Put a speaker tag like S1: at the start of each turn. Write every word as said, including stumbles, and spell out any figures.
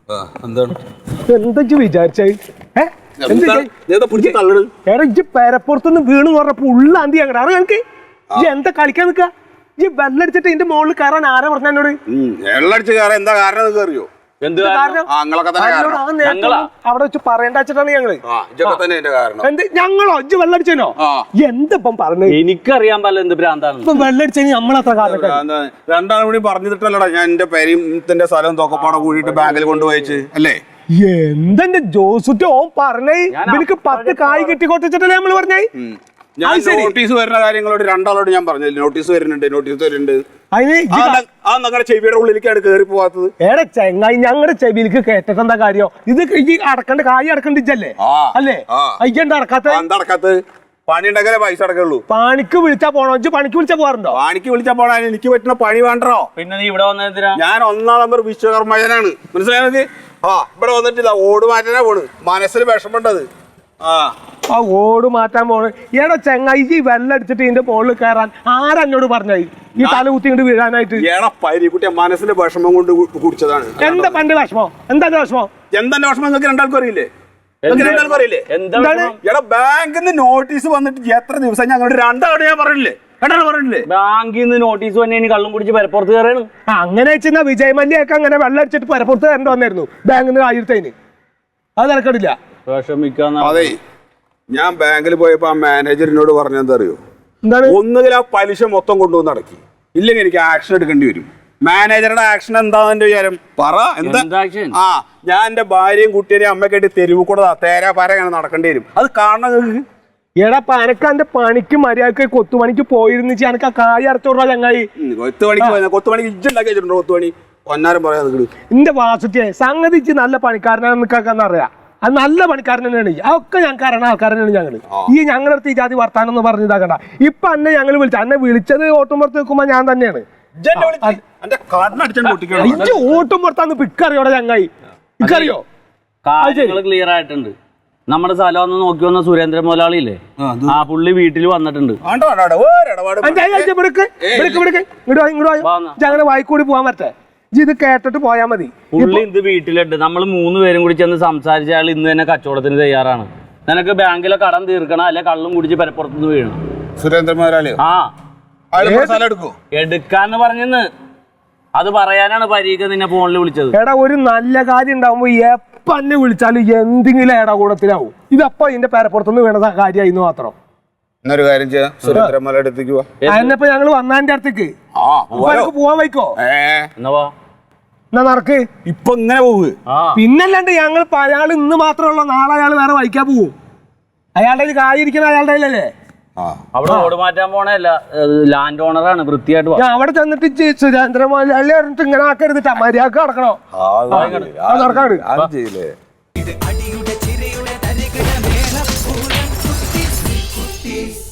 S1: എന്താണ്
S2: എന്താ വിചാരിച്ചേ പേരപ്പുറത്തുനിന്ന് വീണ് പറഞ്ഞപ്പോ ഉള്ളാന്തി അങ്ങനെ അറിയാം എനിക്ക് എന്താ കളിക്കാൻ നിക്ക ഈ വെള്ളടിച്ചിട്ട് ഇതിന്റെ മുകളിൽ കയറാൻ ആരാ പറഞ്ഞ എന്നോട്
S1: വെള്ളടിച്ച് കയറാൻ എന്താ കാരണം അറിയോ
S2: അവിടെ വെച്ച് പറയേണ്ട വെച്ചിട്ടാണ് ഞങ്ങള് എന്ത് ഞങ്ങളോ ഇജ്ജ് വെള്ളടിച്ചോ എന്തിപ്പം പറഞ്ഞത്
S3: എനിക്കറിയാൻ പാടില്ല എന്ത് ഭ്രാന്താണ്
S2: ഇപ്പൊ വെള്ളടിച്ച നമ്മളത്ര കാലം
S1: രണ്ടാളും കൂടി പറഞ്ഞിട്ടല്ലടാ ഞാൻ എന്റെ പേരും സ്ഥലം തോക്കപ്പാടെ കൂടിയിട്ട് ബാങ്കിൽ കൊണ്ടുപോയിച്ച് അല്ലേ
S2: എന്തെന്റെ ജോസുറ്റ ഓൻ പറഞ്ഞേ എനിക്ക് പത്ത് കായ് കെട്ടിക്കൊട്ടിച്ചിട്ടല്ലേ നമ്മള് പറഞ്ഞേ
S1: ഞാൻ നോട്ടീസ് വരുന്ന കാര്യങ്ങളോട് രണ്ടാളോട് ഞാൻ പറഞ്ഞില്ല നോട്ടീസ് വരുന്നുണ്ട് നോട്ടീസ് വരുന്നുണ്ട് ആ ഞങ്ങളുടെ ചെവിയുടെ ഉള്ളിലേക്കാണ് കയറി പോവാത്തത്
S2: ഏടെ ചെങ്ങായി ഞങ്ങളുടെ ചെവിയിലേക്ക് കേട്ടിട്ട് എന്താ കാര്യം ഇത് ഈ അടക്കണ്ട കായ് അടക്കണ്ടിച്ചല്ലേ അല്ലേ അയ്യണ്ട അടക്കാത്ത
S1: അടക്കാത്ത പണി ഉണ്ടെങ്കിലേ പൈസ അടക്കുള്ളൂ
S2: പണിക്ക് വിളിച്ചാ പോണോ പണിക്ക് വിളിച്ചാ പോകാറുണ്ടോ
S1: പണിക്ക് വിളിച്ചാ പോണ എനിക്ക് പറ്റുന്ന പണി വേണ്ടോ
S3: പിന്നെ നീ ഇവിടെ വന്നതിനാ
S1: ഞാൻ ഒന്നാം നമ്പർ വിശ്വകർമ്മജനാണ് മനസ്സിലായത് ആ ഇവിടെ വന്നിട്ടില്ല ഓട് മാറ്റാനാ പോണ് മനസ്സിൽ വിഷമുണ്ടത് ആ
S2: ആ ഓട് മാറ്റാൻ പോണ് ഏടാ ചെങ്ങായി ഈ വെള്ളം അടിച്ചിട്ട് ഇതിന്റെ മുകളിൽ കയറാൻ ആരെന്നോട് പറഞ്ഞായി ഈ തല കുത്തി ഇങ്ങോട്ട് വീഴാനായിട്ട്
S1: ഏടാ പരിക്കുട്ടിയെ മനസ്സിലെ വിഷമം കൊണ്ട് കുടിച്ചതാണ്
S2: എന്താ പണ്ട് വിഷമം എന്താ വിഷമം
S1: എന്താ വിഷമം നിങ്ങൾക്ക് രണ്ടാൾക്കും അറിയില്ലേ രണ്ടാൾക്കും അറിയില്ലേ എടാ ബാങ്കിൽ നിന്ന് നോട്ടീസ് വന്നിട്ട് എത്ര ദിവസം ഞങ്ങളുടെ രണ്ടാളോട് ഞാൻ പറഞ്ഞില്ലേ രണ്ടാൾ പറഞ്ഞില്ലേ
S3: ബാങ്കിൽ നിന്ന് നോട്ടീസ് വന്നെ കള്ളും കുടിച്ച് പരപ്പുറത്ത് കയറാണ്
S2: അങ്ങനെ വെച്ചാൽ വിജയ് മല്യൊക്കെ അങ്ങനെ വെള്ളം അടിച്ചിട്ട് പരപ്പുറത്ത് കയറേണ്ടി വന്നായിരുന്നു ബാങ്കിൽ നിന്ന് ആയിരത്തേന് അത് നടക്കണില്ല
S1: അതെ ഞാൻ ബാങ്കിൽ പോയപ്പോ ആ മാനേജറിനോട് പറഞ്ഞെന്താ അറിയോ ഒന്നുകിൽ ആ പലിശ മൊത്തം കൊണ്ടുവന്ന് അടക്കി ഇല്ലെങ്കിൽ എനിക്ക് ആക്ഷൻ എടുക്കേണ്ടി വരും മാനേജറുടെ ആക്ഷൻ എന്താന്ന് എന്റെ വിചാരം പറ എന്താ ആ ഞാൻ എന്റെ ഭാര്യയും കുട്ടിയെയും അമ്മക്കായിട്ട് തെരുവ് കൂടെ തേരാ പാര അങ്ങനെ നടക്കേണ്ടി വരും അത് കാണണം
S2: എടാ എനക്ക് എന്റെ പണിക്ക് മര്യാദക്ക് കൊത്തുപണിക്ക് പോയിരുന്നു എനക്ക് ആ കായ് അടച്ചോടാ ചങ്ങായി
S1: കൊത്തുപണിക്ക് കൊത്തുപണിക്ക് ഇജ്ജുണ്ടാക്കി വെച്ചിട്ടുണ്ടോ കൊത്തുപണി പൊന്നാരം പറയാ
S2: എന്റെ വാസുറ്റിയെ സംഗതി നല്ല പണിക്കാരനാണെന്ന് നിൽക്കാന്ന് അറിയാം അത് നല്ല പണിക്കാരൻ തന്നെയാണ് അതൊക്കെ ഞങ്ങൾക്ക് അറിയണ ആൾക്കാരനാണ് ഞങ്ങള് ഈ ഞങ്ങളുടെ അടുത്ത് ഈ ജാതി വർത്താനം എന്ന് പറഞ്ഞ് ഇതാക്കണ്ട ഇപ്പൊ അന്നെ ഞങ്ങൾ വിളിച്ചു അന്നെ വിളിച്ചത് ഓട്ടുമ്പുറത്ത് നിൽക്കുമ്പോ ഞാൻ തന്നെയാണ് ഓട്ടുമ്പുറത്താന്ന് പിക്കറിയോടെ ചങ്ങായി ഇക്കറിയോ
S3: ക്ലിയർ ആയിട്ടുണ്ട് നമ്മുടെ സ്ഥലം ഒന്ന് നോക്കി വന്ന സുരേന്ദ്രൻ മുതലാളിയില്ലേ ആ പുള്ളി വീട്ടിൽ വന്നിട്ടുണ്ട്
S2: ഞങ്ങള് വായിക്കൂടി പോവാൻ പറ്റേ ഇത് കേട്ടിട്ട് പോയാ മതി
S3: പുള്ളി ഇത് വീട്ടിലുണ്ട് നമ്മൾ മൂന്ന് പേരും കൂടി ചെന്ന് സംസാരിച്ച ആൾ ഇന്ന് തന്നെ കച്ചവടത്തിന് തയ്യാറാണ് നിനക്ക് ബാങ്കിലെ കടം തീർക്കണം അല്ലെ കള്ളും കുടിച്ച് പരപ്പുറത്തുനിന്ന് വീഴണം
S1: സുരേന്ദ്രൻ മുതലാളി
S3: ആ എടുക്കാന്ന് പറഞ്ഞെന്ന് അത് പറയാനാണ് പരീക്ഷ നിന്നെ ഫോണിൽ വിളിച്ചത്
S2: എടാ ഒരു നല്ല കാര്യം ഉണ്ടാവുമ്പോ എപ്പ എന്നെ വിളിച്ചാലും എന്തെങ്കിലും എടാ കൂടത്തിലാവും ഇതപ്പോ ഇതിന്റെ പരപ്പുറത്തുനിന്ന് വീണ കാര്യമായിരുന്നു മാത്രം
S1: എന്നൊരു കാര്യം ചെയ്യാം സുരേന്ദ്രൻ മുതലാളി അടുത്തേക്ക്
S2: അതിനപ്പോ ഞങ്ങള് വന്നാന്റെ അടുത്തേക്ക് പോവാൻ വയ്ക്കോ എന്നാ നടക്ക്
S1: ഇപ്പൊ ഇങ്ങനെ പോവുക
S2: പിന്നല്ലാണ്ട് ഞങ്ങൾ അയാൾ ഇന്ന് മാത്രമുള്ള നാളെ അയാൾ വേറെ വഹിക്കാൻ പോവും അയാളുടെ കായിരിക്കുന്ന അയാളുടെ അല്ലേ
S3: അവിടെ ഓട് മാറ്റാൻ പോണല്ല ലാൻഡ് ഓണറാണ് വൃത്തിയായിട്ട്
S2: ഞാൻ അവിടെ ചെന്നിട്ട് സുരേന്ദ്രൻ മുതലാളി പറഞ്ഞിട്ട് ഇങ്ങനെ ആക്കരുതിട്ടാ മര്യാദക്ക് നടക്കണോ നടക്കാട്